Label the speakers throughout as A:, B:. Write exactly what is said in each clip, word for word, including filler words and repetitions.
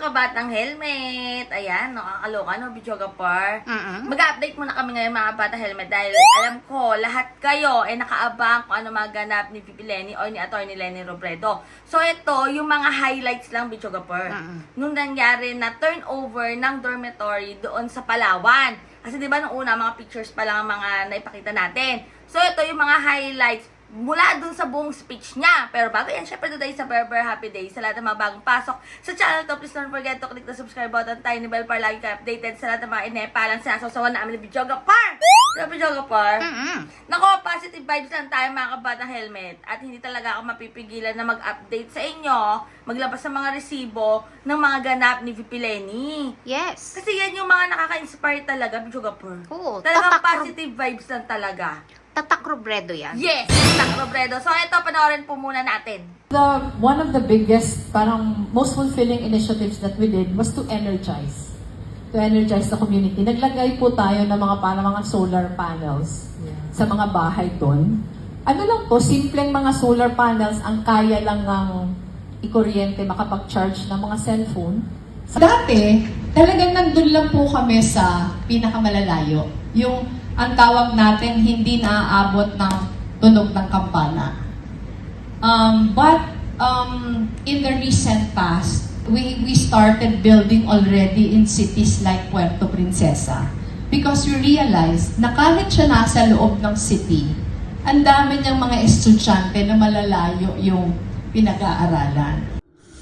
A: kabatang helmet. Ayan, nakakaloka no, videographer.
B: Mm-mm.
A: Mag-update muna kami ngayon mga kabatang helmet dahil alam ko, lahat kayo ay nakaabang kung ano maganap ni Pipi Lenny o ni Atty. Lenny Robredo. So ito, yung mga highlights lang, videographer.
B: Mm-mm.
A: Nung nangyari na turnover ng dormitory doon sa Palawan. Kasi di ba nung una, mga pictures pa lang ang mga naipakita natin. So ito yung mga highlights mula dun sa buong speech niya. Pero bago yan, syempre today sa Berber Happy Day. Sa lahat ng mga bagong pasok sa channel to, please don't forget to click the subscribe button, tiny bell para lagi ka updated sa lahat ng mga inepalang sinasawasawan namin ng videographer. Diba, videographer?
B: Mm-mm.
A: Nako, positive vibes lang tayo mga kabatang helmet. At hindi talaga ako mapipigilan na mag-update sa inyo, maglabas ng mga resibo ng mga ganap ni V P Lenny.
B: Yes.
A: Kasi yan yung mga nakaka-inspire talaga, videographer.
B: Oo,
A: Talagang
B: tatak-
A: positive vibes lang talaga.
B: Tatak Robredo yan.
A: Yes! Tak Robredo. So, ito, panoorin po muna natin.
C: The one of the biggest, parang most fulfilling initiatives that we did was to energize. To energize the community. Naglagay po tayo ng mga parang mga solar panels sa mga bahay doon. Ano lang to, simpleng mga solar panels ang kaya lang ng ikuryente makapag-charge ng mga cellphone.
D: Dati, talagang nandun lang po kami sa pinakamalalayo. Yung ang tawag natin hindi naaabot ng tunog ng kampana. Um, but um, in the recent past, we, we started building already in cities like Puerto Princesa. Because we realized na kahit siya nasa loob ng city, ang dami niyang mga estudyante na malalayo yung pinag-aaralan.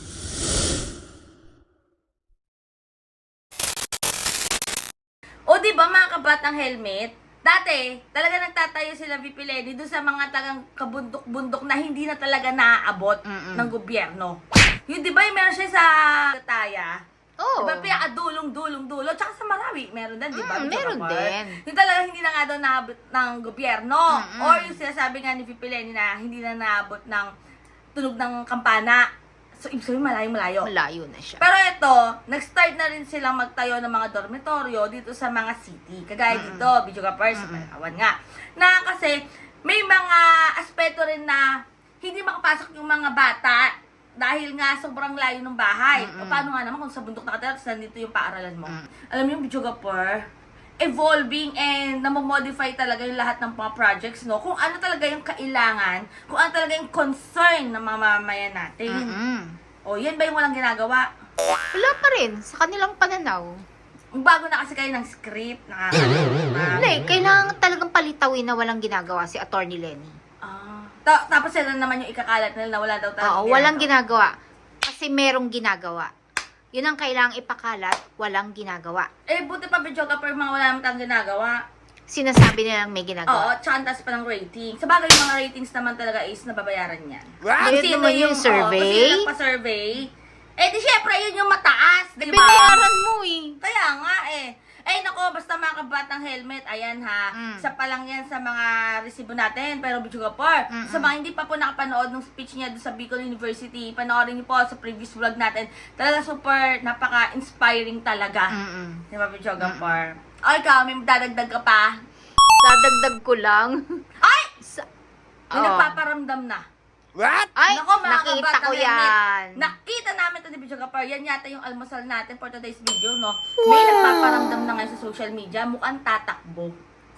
A: O, di ba mga kabatang helmet? Dati, talaga nagtatayo sila V P Lenny doon sa mga tagang kabundok-bundok na hindi na talaga naaabot
B: Mm-mm.
A: ng gobyerno. Yung di ba yung meron siya sa Taya?
B: Oo.
A: Diba, pinakadulong-dulong-dulo. Tsaka sa Marawi, meron din, di ba?
B: Mm, meron
A: Videographer?
B: din.
A: Yung talaga hindi na nga daw naabot ng gobyerno.
B: Mm-mm.
A: Or yung sinasabi nga ni V P Lenny na hindi na naabot ng tunog ng kampana. So, ibig sabihin, malayo-malayo.
B: Malayo na siya.
A: Pero ito, nag-start na rin silang magtayo ng mga dormitoryo dito sa mga city. Kagaya
B: Mm-mm.
A: dito, videographer sa Palawan nga. Na kasi, may mga aspeto rin na hindi makapasok yung mga bata dahil nga sobrang layo ng bahay.
B: Mm-mm.
A: O paano nga naman kung sa bundok nakatira, tapos nandito yung paaralan mo.
B: Mm.
A: Alam mo yung videographer, evolving and namomodify talaga yung lahat ng mga projects, no? Kung ano talaga yung kailangan, kung ano talaga yung concern ng mga mamamayan natin.
B: Mm-mm.
A: O, yan ba yung walang ginagawa?
B: Wala pa rin sa kanilang pananaw.
A: Bago na kasi kayo ng script, nakakalimutan.
B: Hindi, kailangan talagang palitawin na walang ginagawa si Atty. Lenny.
A: Ah, ta- tapos yan naman yung ikakalat nila na wala daw talaga.
B: Oo, walang ginagawa. Kasi merong ginagawa. Yun ang kailangang ipakalat, walang ginagawa.
A: Eh, buti pa videographer, mga wala naman tayong ginagawa.
B: Sinasabi nilang may
A: Oo,
B: ginagawa.
A: tsaka ang taas pa ng rating. Sa bagay, yung mga ratings naman talaga is nababayaran yan.
B: Right?
A: Kung
B: Naman yung survey?
A: Oo, kasi nagpa-survey. Eh, di syempre, yun yung mataas, di ba?
B: Binayaran mo eh.
A: Kaya nga eh. Eh, nako, basta mga kabatang helmet, ayan ha,
B: Mm.
A: isa pa lang yan sa mga resibo natin, pero videographer,
B: Mm-mm.
A: sa mga hindi pa po nakapanood ng speech niya doon sa Bicol University, panoorin niyo po sa previous vlog natin, talaga super, napaka-inspiring talaga.
B: Mm-mm.
A: Di ba, videographer? O, ikaw, may dadagdag ka pa?
B: Dadagdag ko lang.
A: Ay!
B: Sa-
A: May
B: Oo.
A: nagpaparamdam na.
B: Ay,
A: Nako, mga
B: nakita
A: kabatang
B: ko
A: helmet,
B: yan.
A: Nakita namin ito ni videographer. Yan yata yung almusal natin for today's video, no? May nagpaparamdam na ngayon sa social media, mukhang tatakbo.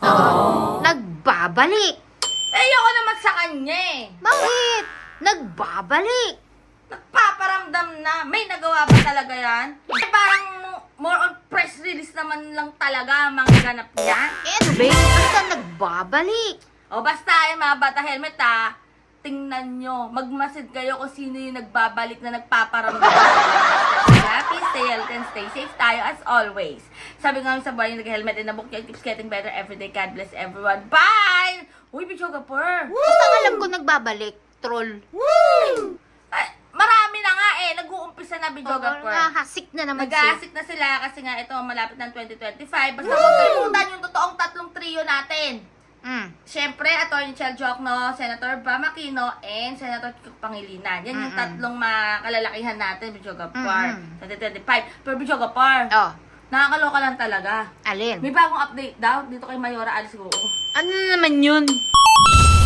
B: Nagbabalik.
A: Eh, ayoko naman sa kanya eh.
B: Bakit? Nagbabalik.
A: Nagpaparamdam na. May nagawa ba talaga yan? Eh, parang more on press release naman lang talaga ang mga ganap niya.
B: Eh, ano ba yun? Basta nagbabalik.
A: O basta eh, mga bata helmet ha, tingnan nyo, magmasid kayo kung sino yung nagbabalik na nagpaparamdam. Happy, stay healthy, and stay safe tayo as always. Sabi nga sa buhay yung nag-helmet and nabuk keeps getting better every day. God bless everyone. Bye! Uy, videographer!
B: Basta alam ko nagbabalik. Troll.
A: Ay, marami na nga eh, nag-uumpisa na
B: Oo,
A: videographer.
B: nahasik na naman siya.
A: Nag-aasik na sila kasi nga ito malapit ng twenty twenty-five. Basta huwag kalimutan yung totoong tatlong trio natin.
B: Mm.
A: Siyempre, Atty. Chel Jokno, Senator Bam Aquino, and Senator Kiko Pangilinan. Yan yung
B: Mm-mm.
A: tatlong makalalakihan natin, videographer.
B: Mm-mm.
A: twenty twenty-five. Pero videographer,
B: Oh,
A: nakakaloka lang talaga.
B: alin?
A: May bagong update daw dito kay Mayora Alice Guo.
B: Ano naman yun?